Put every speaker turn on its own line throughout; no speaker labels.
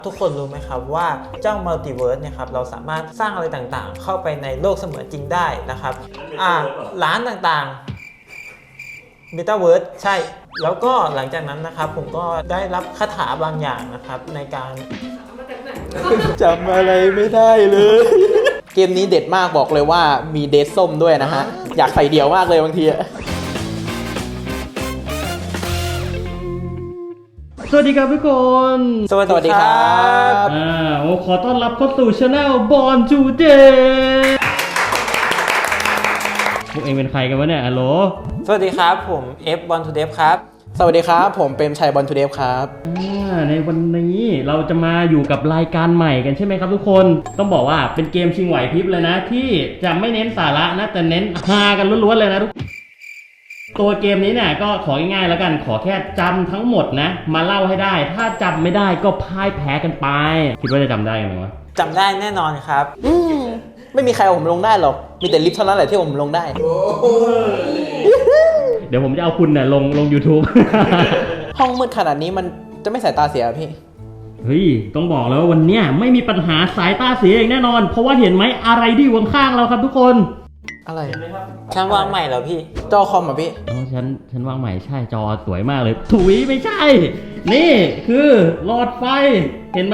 ทุกคนรู้ไหมครับว่าเจ้ามัลติเวิร์สเนี่ยครับเราสามารถสร้างอะไรต่างๆเข้าไปในโลกเสมือนจริงได้นะครับร้านต่างๆเมตาเวิร์สใช่แล้วก็หลังจากนั้นนะครับผมก็ได้รับคาถาบางอย่างนะครับในการ
จำอะไรไม่ได้เลยเกมนี้เด็ดมากบอกเลยว่ามีเดทส้มด้วยนะฮะอยากใส่เดี่ยวมากเลยบางที
สวัสดีครับทุกคน
สวัสดีครับ
ขอต้อนรับเข้าสู่ช anel Born Today พวกเองเป็นใครกันวะเนี่ยฮัลโหล
สวัสดีครับผมเอฟบอลทูเดฟครับ
สวัสดีครับผมเปรมชัยบอลทูเดฟครับ
ในวันนี้เราจะมาอยู่กับรายการใหม่กันใช่ไหมครับทุกคนต้องบอกว่าเป็นเกมชิงไหวพริบเลยนะที่จะไม่เน้นสาระนะแต่เน้นฮากันล้วนๆเลยนะทุกตัวเกมนี้เนี่ยก็ของ่ายๆแล้วกันขอแค่จำทั้งหมดนะมาเล่าให้ได้ถ้าจำไม่ได้ก็พ่ายแพ้กันไปคิดว่าจะจำได้ไหมวะ
จำได้แน่นอนครับ
ไม่มีใครเอาผมลงได้หรอกมีแต่ลิฟต์เท่านั้นแหละที่ผมลงได้
เดี๋ยวผมจะเอาคุณเนี่ยลง YouTube
ห้องมืดขนาดนี้มันจะไม่สายตาเสียพี่
เฮ้ยต้องบอกแล้ววันเนี้ยไม่มีปัญหาสายตาเสียเองแน่นอนเพราะว่าเห็นไหมอะไรที่อยู่ข้างๆเราครับทุกคน
อะไร
ฉันวางใหม่เหรอพี่
จอคอมอ่ะพี่
ฉันวางใหม่ใช่จอสวยมากเลยถุยไม่ใช่นี่คือหลอดไฟเห็นไหม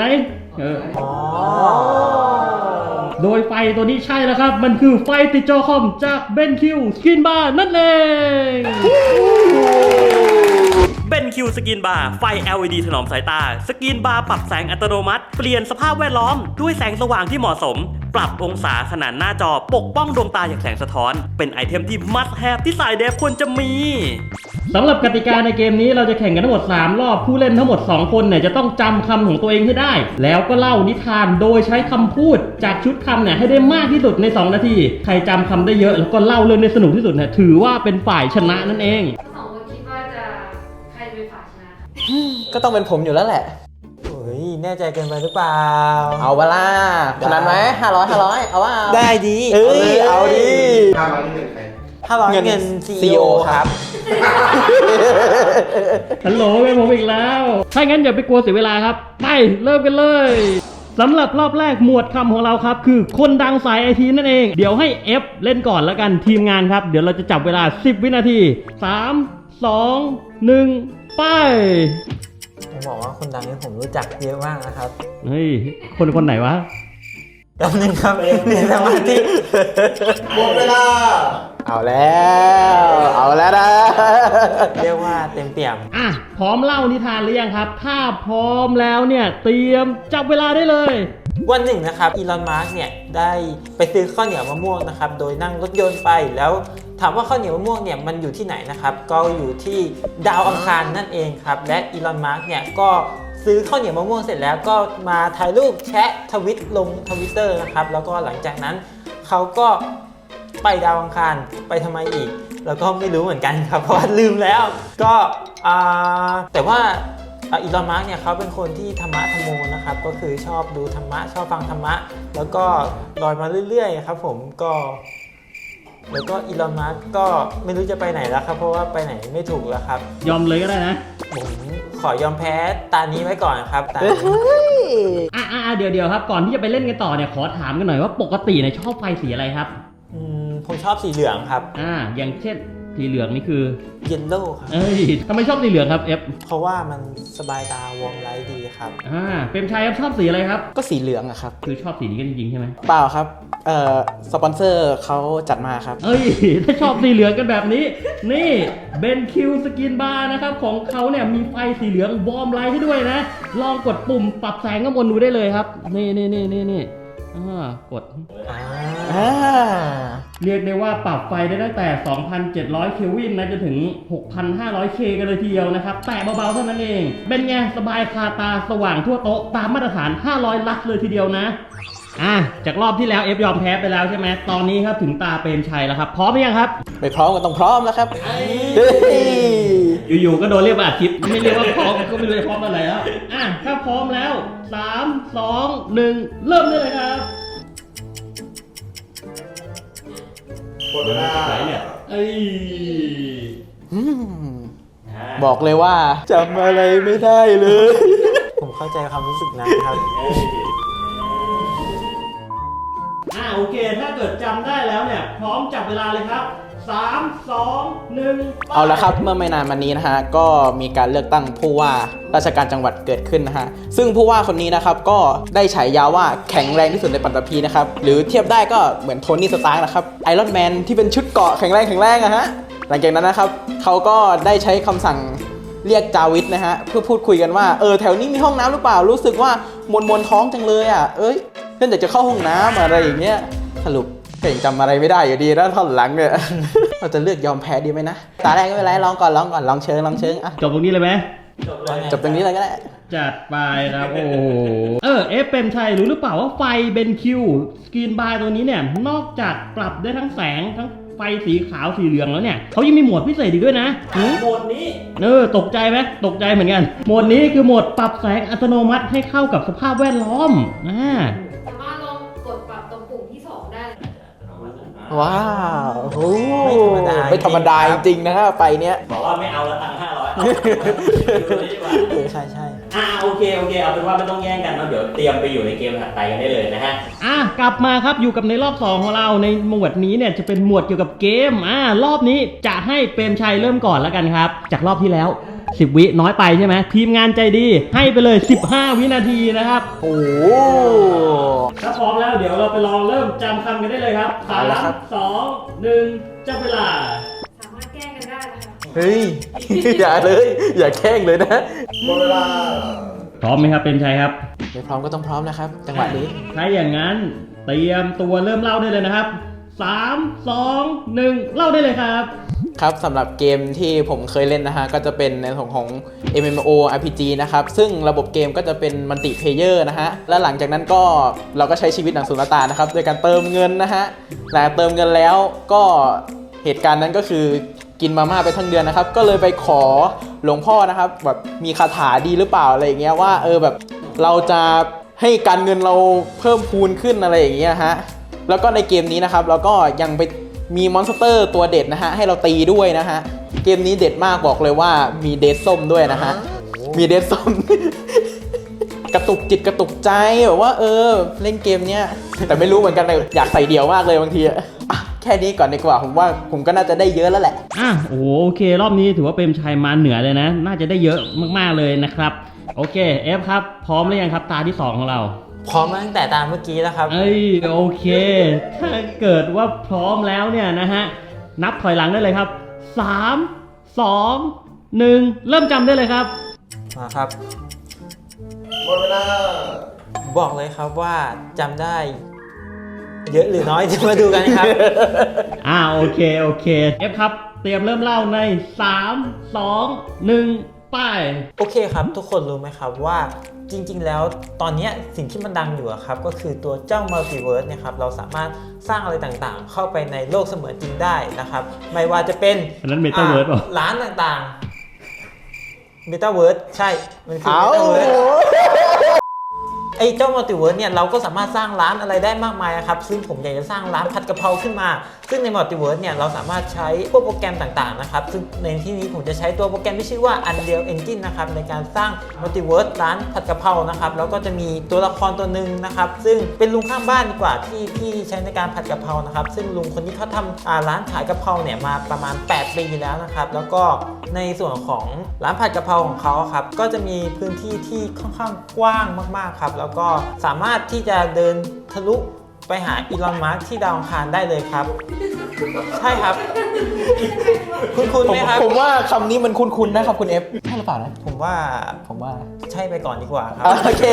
โดยไฟตัวนี้ใช่แล้วครับมันคือไฟติดจอคอมจากเบนคิวสกินบาร์นั่นเองเบนคิวสกินบาร์ไฟ LED ถนอมสายตาสกินบาร์ปรับแสงอัตโนมัติเปลี่ยนสภาพแวดล้อมด้วยแสงสว่างที่เหมาะสมปรับองศาขนาดหน้าจอปกป้องดวงตาจากแสงสะท้อนเป็นไอเทมที่ must have ที่สายเดฟควรจะมีสำหรับกติกาในเกมนี้เราจะแข่งกันทั้งหมด3รอบผู้เล่นทั้งหมด2คนเนี่ยจะต้องจำคำของตัวเองให้ได้แล้วก็เล่านิทานโดยใช้คำพูดจากชุดคำเนี่ยให้ได้มากที่สุดใน2นาทีใครจำคำได้เยอะแล้วก็เล่าเรื่องได้สนุกที่สุดเนี่ยถือว่าเป็นฝ่ายชนะนั่นเอง
ก็ต้องเป็นผมอยู่แล้วแหละ
เฮ้ยแน่ใจเกินไปหรือเปล่า
เอาเวลาขนาดไหม500เอาว่า
ได้ดี
เอาดี
500นี่เงินใคร500เงิน CEO ครับ
ฮัลโหลเป็นผมอีกแล้วถ้างั้นอย่าไปกลัวเสียเวลาครับไปเริ่มกันเลยสำหรับรอบแรกหมวดคำของเราครับคือคนดังสายไอทีนั่นเองเดี๋ยวให้ F เล่นก่อนแล้วกันทีมงานครับเดี๋ยวเราจะจับเวลา10วินาที3 2 1ไป
ผมบอกว่าคนดังนี้ผมรู้จักเยอะมากนะครับ
เฮ้ยคนไหนวะ
แป๊บนึงครับเรียนสมาธิ
หมดเวลาเอาแล้วนะ
เรียกว่าเต็มเปี่ยม
พร้อมเล่านิทานหรือยังครับถ้าพร้อมแล้วเนี่ยเตรียมจับเวลาได้เลย
วันหนึ่งนะครับอีลอนมัสก์เนี่ยได้ไปซื้อข้าวเหนียวมะม่วงนะครับโดยนั่งรถยนต์ไปแล้วถามว่าข้าวเหนียวมะม่วงเนี่ยมันอยู่ที่ไหนนะครับก็อยู่ที่ดาวอังคารนั่นเองครับและอีลอนมัสก์เนี่ยก็ซื้อข้าวเหนียวมะม่วงเสร็จแล้วก็มาถ่ายรูปแชะทวิตลงทวิตเตอร์นะครับแล้วก็หลังจากนั้นเขาก็ไปดาวอังคารไปทำไมอีกแล้วก็ไม่รู้เหมือนกันครับเพราะว่าลืมแล้วก็แต่ว่าอีลอนมัสก์เนี่ยเขาเป็นคนที่ธรรมะธรรมโมนะครับก็คือชอบดูธรรมะชอบฟังธรรมะแล้วก็ลอยมาเรื่อยๆครับผมก็แล้วก็อีลอนมัสก์ก็ไม่รู้จะไปไหนแล้วครับเพราะว่าไปไหนไม่ถูกแล้วครับ
ยอมเลยก็ได้นะ
ผมขอยอมแพ้ตานี้ไว้ก่อนครับตา
เดี๋ยวครับก่อนที่จะไปเล่นกันต่อเนี่ยขอถามกันหน่อยว่าปกติเนี่ยชอบไฟสีอะไรครับ
ผมชอบสีเหลืองครับ
อย่างเช่นสีเหลืองนี่คือ
เยลโล่ครับ
ทำไมชอบสีเหลืองครับ F
เพราะว่ามันสบายตาวอร์มไลท์ดีครับ
เปรมชัยครับชอบสีอะไรครับ
ก็สีเหลืองอะครับ
คือชอบสีนี้กันจริงๆใช่ไหม
เปล่าครับสปอนเซอร์เขาจัดมาครับ
ถ้าชอบสีเหลืองกันแบบนี้นี่เบนคิวสกินบาร์นะครับของเขาเนี่ยมีไฟสีเหลืองวอร์มไลท์ให้ด้วยนะลองกดปุ่มปรับแสงข้างบนดูได้เลยครับนี่กดเรียกได้ว่าปรับไฟได้ตั้งแต่ 2,700 เคลวินนะจนถึง 6,500 เคกันเลยทีเดียวนะครับแต่เบาๆเท่านั้นเองเป็นไงสบายคาตาสว่างทั่วโต๊ะตามมาตรฐาน 500 ลักเลยทีเดียวนะจากรอบที่แล้ว F ยอมแพ้ไปแล้วใช่ไหมตอนนี้ครับถึงตาเปรมชัยแล้วครับพร้อมหรือยังครับ
ไม่พร้อมก็ต้องพร้อมแล้วครับ
อยู่ๆก็โดนเรียกมาอัดคลิปไม่เรียกว่าพร้อมก็ไม่รู้จะพร้อมอะไรแล้วถ้าพร้อมแล้ว3 2 1เริ่มได้เลยครับ
หมดเวลาเนี่ยบอกเลยว่าจำอะไรไม่ได้เลย
ผมเข้าใจความรู้สึกนะครับ
โอเค ถ้าเกิดจำได้แล้วเนี่ยพร้อมจับเวลาเลยครับ3 2 1
เอาละครับเมื่อไม่นานมานี้นะฮะก็มีการเลือกตั้งผู้ว่าราชการจังหวัดเกิดขึ้นนะฮะซึ่งผู้ว่าคนนี้นะครับก็ได้ฉายาว่าแข็งแรงที่สุดในปัตตภีนะครับหรือเทียบได้ก็เหมือนโทนี่สตาร์กนะครับไอรอนแมนที่เป็นชุดเกราะแข็งแรงอะฮะหลังจากนั้นนะครับเขาก็ได้ใช้คำสั่งเรียกจาวิดนะฮะเพื่อพูดคุยกันว่าแถวนี้มีห้องน้ำหรือเปล่ารู้สึกว่ามวนท้องจังเลยอ่ะเพื่อนอยากจะเข้าห้องน้ำอะไรอย่างเงี้ยสรุปก็ยังจำอะไรไม่ได้อยู่ดีนะท่อนหลังเนี่ย เราจะเลือกยอมแพ้ดีไหมนะตาแรกก็ไม่เป็นไรลองก่อนลองเชิงอ่ะ
จบตรงนี้เลยไหม
จบตรงนี้เลยก็ได้
จัดไปครับโอ้โหเปรมชัยรู้หรือเปล่าว่าไฟเบนคิวสกรีนบาร์ตัวนี้เนี่ยนอกจากปรับได้ทั้งแสงทั้งไฟสีขาวสีเหลืองแล้วเนี่ยเขายังมีโหมดพิเศษอีกด้วยนะโหมดนี้ตกใจไหมตกใจเหมือนกันโหมดนี้คือโหมดปรับแสงอัตโนมัติให้เข้ากับสภาพแวดล้อม
สามารถลองกดปรับตรงปุ่มที่ 2 ได้
ว้าวโอ้
ไม่ธรรมดา
จริงๆนะฮะไฟเนี้ย
บอกว่าไม่เอาละตังค์500
ใช่
โอเคเอาเป็นว่าไม่ต้องแย่งกันเนาะเดี๋ยวเตรียมไปอยู่ในเกมถัดไปกันได้เลยนะฮะกลับมาครับอยู่กับในรอบ2ของเราในหมวดนี้เนี่ยจะเป็นหมวดเกี่ยวกับเกมรอบนี้จะให้เปรมชัยเริ่มก่อนแล้วกันครับจากรอบที่แล้ว10 วิน้อยไปใช่ไหมทีมงานใจดีให้ไปเลย15 วินาทีนะครับ
โอ้
ถ้าพร้อมแล้วเดี๋ยวเราไปลองเริ่มจำคำกันได้เลยครับ3 2 1จับเวลา
สามารถแก้กันได้นะคะ
เฮ้ย อย่าเลยอย่าแข่งเลยนะหมดเวลา
พร้อมไหมครับเปรมชัยครับ
ไม่พร้อมก็ต้องพร้อมนะครับจังหวะนี้
ถ้าอย่างนั้นเตรียมตัวเริ่มเล่าได้เลยนะครับ3 2 1เล่าได้เลยครับ
ครับสำหรับเกมที่ผมเคยเล่นนะฮะก็จะเป็นในส่วนของ MMO RPG นะครับซึ่งระบบเกมก็จะเป็นมัลติเพลเยอร์นะฮะและหลังจากนั้นก็เราก็ใช้ชีวิตหนังสุลต่านนะครับโดยการเติมเงินนะฮะแต่เติมเงินแล้วก็เหตุการณ์นั้นก็คือกินมาม่าไปทั้งเดือนนะครับก็เลยไปขอหลวงพ่อนะครับแบบมีคาถาดีหรือเปล่าอะไรอย่างเงี้ยว่าแบบเราจะให้การเงินเราเพิ่มพูนขึ้นอะไรอย่างเงี้ยฮะแล้วก็ในเกมนี้นะครับเราก็ยังไปมีมอนสเตอร์ตัวเด็ดนะฮะให้เราตีด้วยนะฮะเกมนี้เด็ดมากบอกเลยว่ามีเดซส้มด้วยนะฮะมีเดซส้ม กระตุกจิตกระตุกใจแบบว่าเล่นเกมเนี้ยแต่ไม่รู้เหมือนกันเลยอยากใส่เดี่ยวมากเลยบางทีแค่นี้ก่อนดีกว่าผมว่าผมก็น่าจะได้เยอะแล้วแหละ
โอเครอบนี้ถือว่าเปรมชัยมาเหนือเลยนะน่าจะได้เยอะมากๆเลยนะครับโอเคครับพร้อมหรือยังครับตาที่2ของเรา
พร้อมตั้งแต่ตามเมื่อกี้แล้วครับ
โอเคถ้าเกิดว่าพร้อมแล้วเนี่ยนะฮะนับถอยหลังได้เลยครับ3 2 1เริ่มจำได้เลยครับ
มาครับหมดเวลาบอกเลยครับว่าจำได้เยอะหรือน้อยจะมาดูกันครับ
โอเคครับเตรียมเริ่มเล่าใน3 2 1ไป
โอเคครับทุกคนรู้ไหมครับว่าจริงๆแล้วตอนนี้สิ่งที่มันดังอยู่ครับก็คือตัวเจ้ามัลติเวิร์สเนี่ยครับเราสามารถสร้างอะไรต่างๆเข้าไปในโลกเสมือนจริงได้นะครับไม่ว่าจะเป็น
นั้นเมตาเวิร์ส
ร้านต่างๆเมตาเวิร์สใช่มันคือเมตาเวิร์สไอ้เจ้ามัลติเวิร์สเนี่ยเราก็สามารถสร้างร้านอะไรได้มากมายครับซึ่งผมอยากจะสร้างร้านผัดกะเพราขึ้นมาซึ่งในมัลติเวิร์สเนี่ยเราสามารถใช้พวกโปรแกรมต่างๆนะครับซึ่งในที่นี้ผมจะใช้ตัวโปรแกรมที่ชื่อว่า Unreal Engine นะครับในการสร้างมัลติเวิร์สร้านผัดกะเพรานะครับแล้วก็จะมีตัวละครตัวหนึ่งนะครับซึ่งเป็นลุงข้างบ้านดีกว่าที่ใช้ในการผัดกะเพรานะครับซึ่งลุงคนนี้เขาทำร้านขายกะเพราเนี่ยมาประมาณ8 ปีแล้วนะครับแล้วก็ในส่วนของร้านผัดกะเพราของเขาครับก็จะมีพื้นที่ที่ค่อนข้างกว้างมากๆครับแล้วก็สามารถที่จะเดินทะลุไปหาอีลอนมัสก์ที่ดาวอังคารได้เลยครับใช่ครับคุณไหมครับ
ผมว่าคำนี้มันคุ้นๆนะครับคุณเอฟใช่หรือเปล่านะ
ผมว่าใช่ไปก่อนดีกว่าครับ
โอเค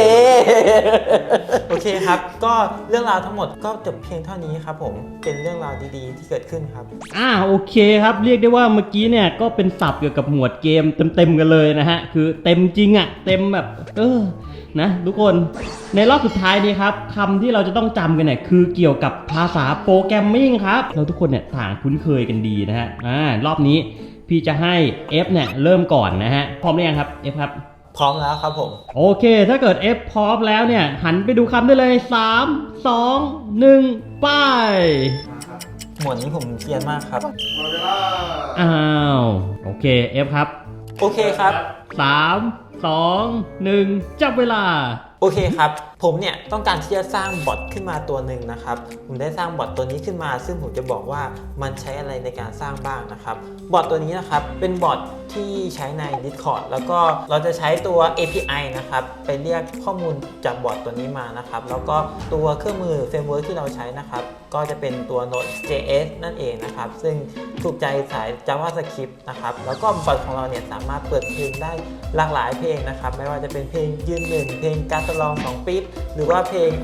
ครับก็เรื่องราวทั้งหมดก็จบเพียงเท่านี้ครับผมเป็นเรื่องราวดีๆที่เกิดขึ้นครับ
โอเคครับเรียกได้ว่าเมื่อกี้เนี่ยก็เป็นศัพท์เกี่ยวกับหมวดเกมเต็มๆกันเลยนะฮะคือเต็มจริงเต็มแบบนะทุกคนในรอบสุดท้ายนี้ครับคำที่เราจะต้องจำกันเนี่ยคือเกี่ยวกับภาษาโปรแกรมมิ่งครับเราทุกคนเนี่ยต่างคุ้นเคยกันดีนะฮะรอบนี้พี่จะให้ F เนี่ยเริ่มก่อนนะฮะพร้อมหรือยังครับ F ครับ
พร้อมแล้วครับผม
โอเคถ้าเกิด F พร้อมแล้วเนี่ยหันไปดูคำได้เลย3 2 1ไป
หมวดนี้ผมเกรียนมากครับ
โอเค F ครับ
โอเคครับ
3
2 1 จับเวลา
โอเคครับ ผมเนี่ยต้องการที่จะสร้างบอทขึ้นมาตัวหนึ่งนะครับผมได้สร้างบอทตัวนี้ขึ้นมาซึ่งผมจะบอกว่ามันใช้อะไรในการสร้างบ้างนะครับบอทตัวนี้นะครับเป็นบอทที่ใช้ใน Discord แล้วก็เราจะใช้ตัว API นะครับไปเรียกข้อมูลจากบอทตัวนี้มานะครับแล้วก็ตัวเครื่องมือเฟรมเวิร์กที่เราใช้นะครับก็จะเป็นตัว Node.js นั่นเองนะครับซึ่งถูกใจสาย JavaScript นะครับแล้วก็บอทของเราเนี่ยสามารถเปิดเพลงได้หลากหลายเพลงนะครับไม่ว่าจะเป็นเพลงยืนหนึ่งเพลงการตลอง2ปี๊บหรือว่าเพลง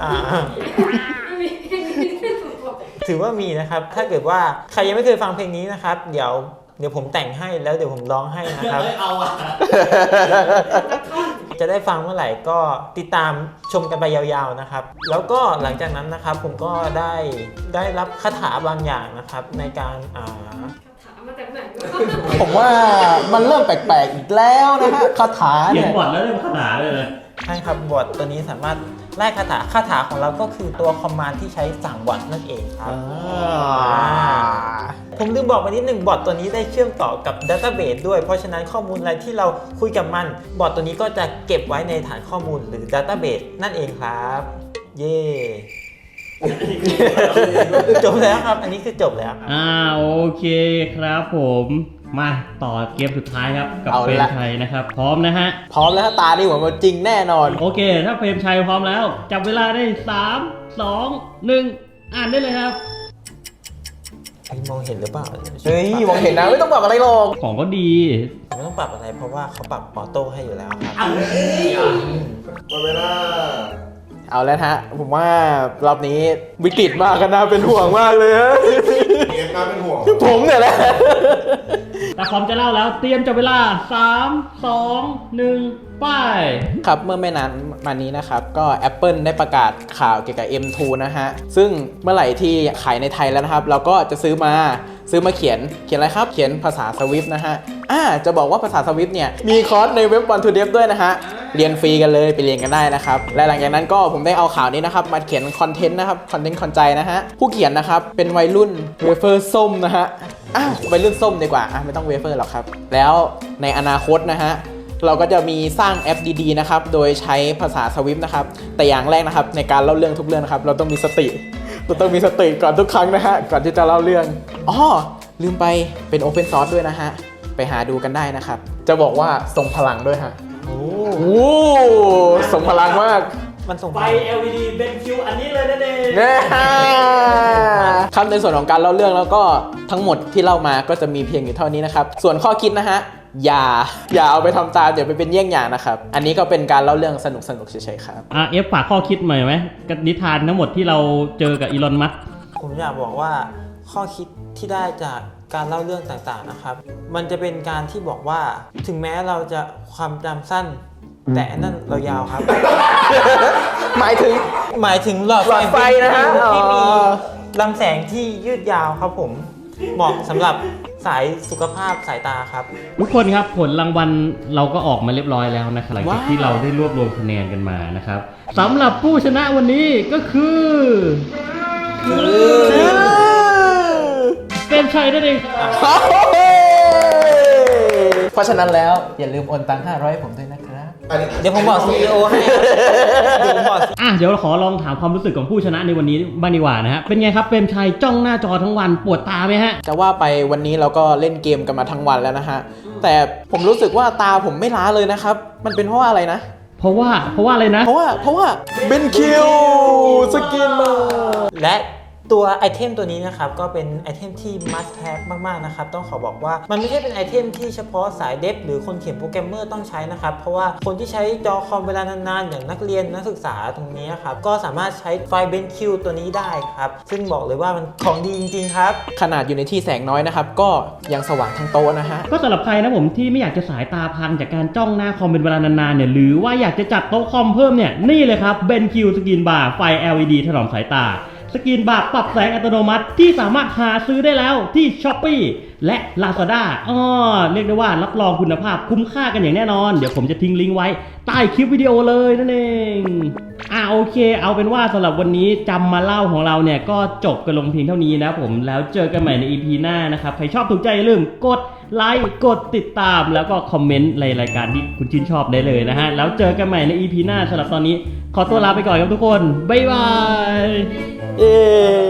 ถือว่ามีนะครับถ้าเกิดว่าใครยังไม่เคยฟังเพลงนี้นะครับเดี๋ยวผมแต่งให้แล้วเดี๋ยวผมร้องให้นะครับจะได้ฟังเมื่อไหร่ก็ติดตามชมกันไปยาวๆนะครับแล้วก็หลังจากนั้นนะครับผมก็ได้รับคาถาบางอย่างนะครับในการ
ถามมาจากไหน
ผมว่ามันเริ่มแปลกๆอีกแล้วนะฮะคาถา
เขีย
เนี่
น
ย
บอร์ดแล้วเริ่มขนาดเลย
ใช่ครับบอทตัวนี้สามารถไล่คาถาของเราก็คือตัวคอมมานด์ที่ใช้สั่งบอทนั่นเองครับผมลืมบอกไปนิดหนึ่งบอทตัวนี้ได้เชื่อมต่อกับดัตเตอร์เบสด้วยเพราะฉะนั้นข้อมูลอะไรที่เราคุยกับมันบอทตัวนี้ก็จะเก็บไว้ในฐานข้อมูลหรือดัตเตอร์เบสนั่นเองครับเย่จบแล้วครับอันนี้คือจบแล้ว
โอเคครับผมมาต่อเกมสุดท้ายครับกับ
เอา
เฟรม
ละ
ชัยนะครับพร้อมนะฮะ
พร้อมแล้วฮะตานี่เหมือนว่าจริงแน่นอน
โอเค ถ้าเฟรมชัยพร้อมแล้วจับเวลาได้3 2 1อ่านได้เลยครับ
มองเห็นหรือเปล่า
เฮ้ยมองเห็นนะไม่ต้องปรับอะไรหรอก
ของก็ดี
ไม่ต้องปรับอะไรเพราะว่าเขาปรับออโต้ให้อยู่แล้วครับ
หมดเวลา
เอาแล้วฮะผมว่ารอบนี้วิกฤตมากกันนะเป็นห่วงมากเลยฮะ
เอ็มน่าเป็นห่วง
ผมเนี่ยแหละ
แต่พร้อมจะเล่าแล้วเตรียมจับเวลา 3 2 1 ไป
ครับเมื่อไม่นานมานี้นะครับก็ Apple ได้ประกาศข่าวเกี่ยวกับ M2 นะฮะซึ่งเมื่อไหร่ที่ขายในไทยแล้วนะครับ เราก็จะซื้อมาเขียนอะไรครับเขียนภาษา Swift นะฮะจะบอกว่าภาษา Swift เนี่ยมีคอร์สในเว็บ One to Dev ด้วยนะฮะเรียนฟรีกันเลยไปเรียนกันได้นะครับและหลังจากนั้นก็ผมได้เอาข่าวนี้นะครับมาเขียนคอนเทนต์นะครับคอนเทนต์คอนใจนะฮะผู้เขียนนะครับเป็นวัยรุ่นเวเฟอร์ส้มนะฮะวัยรุ่นส้มดีกว่าไม่ต้องเวเฟอร์หรอกครับแล้วในอนาคตนะฮะเราก็จะมีสร้างแอปดีๆนะครับโดยใช้ภาษา Swift นะครับแต่อย่างแรกนะครับในการเล่าเรื่องทุกเรื่องนะครับเราต้องมีสติก่อนทุกครั้งนะฮะก่อนที่จะเล่าเรื่องลืมไปเป็น Open Source ด้วยนะฮะไปหาดูกันได้นะครับจะบอกว่าทรงพลังด้วยฮะโอ้ทรงพลังมาก
มันส่ง
ไฟ LED เป็นคิวอันนี้เลยนั่นเอง
ครับในส่วนของการเล่าเรื่องแล้วก็ทั้งหมดที่เล่ามาก็จะมีเพียงอยู่เท่านี้นะครับส่วนข้อคิดนะฮะอย่าเอาไปทำตามอย่าไปเป็นเยี่ยงอย่างนะครับอันนี้ก็เป็นการเล่าเรื่องสนุกเฉยๆครับ
เอฟฝากข้อคิดใหม่ไหมกับนิทานทั้งหมดที่เราเจอกับอีลอนมัสก์
ผมอยากบอกว่าข้อคิดที่ได้จากการเล่าเรื่องต่างๆนะครับมันจะเป็นการที่บอกว่าถึงแม้เราจะความจำสั้นแต่อันนั่นเรายาวครับ
หมายถึง
หลอด
ไฟนะฮะ
ที่มีลำแสงที่ยืดยาวครับผมเหมาะสำหรับสายสุขภาพสายตาครับ
ทุกคนครับผลรางวัลเราก็ออกมาเรียบร้อยแล้วนะครับหลังจากที่เราได้รวบรวมคะแนนกันมานะครับสำหรับผู้ชนะวันนี้ก็คือเฟรมชัยนั่นเอง
เพราะฉะนั้นแล้วอย่าลืมโอนตังค์500ให้ผมด้วยนะครับ
เดี๋ยวผมบอก CEO ให้ครับเดี๋ยวผมบอก
เดี๋ยวเราขอลองถามความรู้สึกของผู้ชนะในวันนี้บ้างดีกว่านะฮะเป็นไงครับเฟรมชัยจ้องหน้าจอทั้งวันปวดตาไหมฮะ
จะว่าไปวันนี้เราก็เล่นเกมกันมาทั้งวันแล้วนะฮะแต่ผมรู้สึกว่าตาผมไม่ล้าเลยนะครับมันเป็นเพราะว่าอะไรนะ
เพราะว่าอะไรนะ
เพราะว่าเบนคิวสกินมา
และตัวไอเทมตัวนี้นะครับก็เป็นไอเทมที่ must have มากๆนะครับต้องขอบอกว่ามันไม่ใช่เป็นไอเทมที่เฉพาะสายเดฟหรือคนเขียนโปรแกรมเมอร์ต้องใช้นะครับเพราะว่าคนที่ใช้จอคอมเวลานานๆอย่างนักเรียนนักศึกษาตรงนี้ครับก็สามารถใช้ไฟเบนคิวตัวนี้ได้ครับซึ่งบอกเลยว่ามันของดีจริงๆครับ
ขนาดอยู่ในที่แสงน้อยนะครับก็ยังสว่างทั้งโต๊ะนะฮะ
ก็สำหรับใครนะผมที่ไม่อยากจะสายตาพังจากการจ้องหน้าคอมเป็นเวลานานๆเนี่ยหรือว่าอยากจะจัดโต๊ะคอมเพิ่มเนี่ยนี่เลยครับเบนคิวสกินบาร์ไฟ LED ถนอมสายตาสกรีนบาร์ปรับแสงอัตโนมัติที่สามารถหาซื้อได้แล้วที่ Shopee และ Lazada เรียกได้ว่ารับรองคุณภาพคุ้มค่ากันอย่างแน่นอนเดี๋ยวผมจะทิ้งลิงก์ไว้ใต้คลิปวิดีโอเลยนั่นเองโอเคเอาเป็นว่าสำหรับวันนี้จำมาเล่าของเราเนี่ยก็จบกันลงเพียงเท่านี้นะผมแล้วเจอกันใหม่ใน EP หน้านะครับใครชอบถูกใจอย่าลืมกดไลค์กดติดตามแล้วก็คอมเมนต์ในรายการที่คุณชื่นชอบได้เลยนะฮะแล้วเจอกันใหม่ใน EP หน้าสำหรับตอนนี้ขอตัวลาไปก่อนครับทุกคนบ๊ายบาย
เย้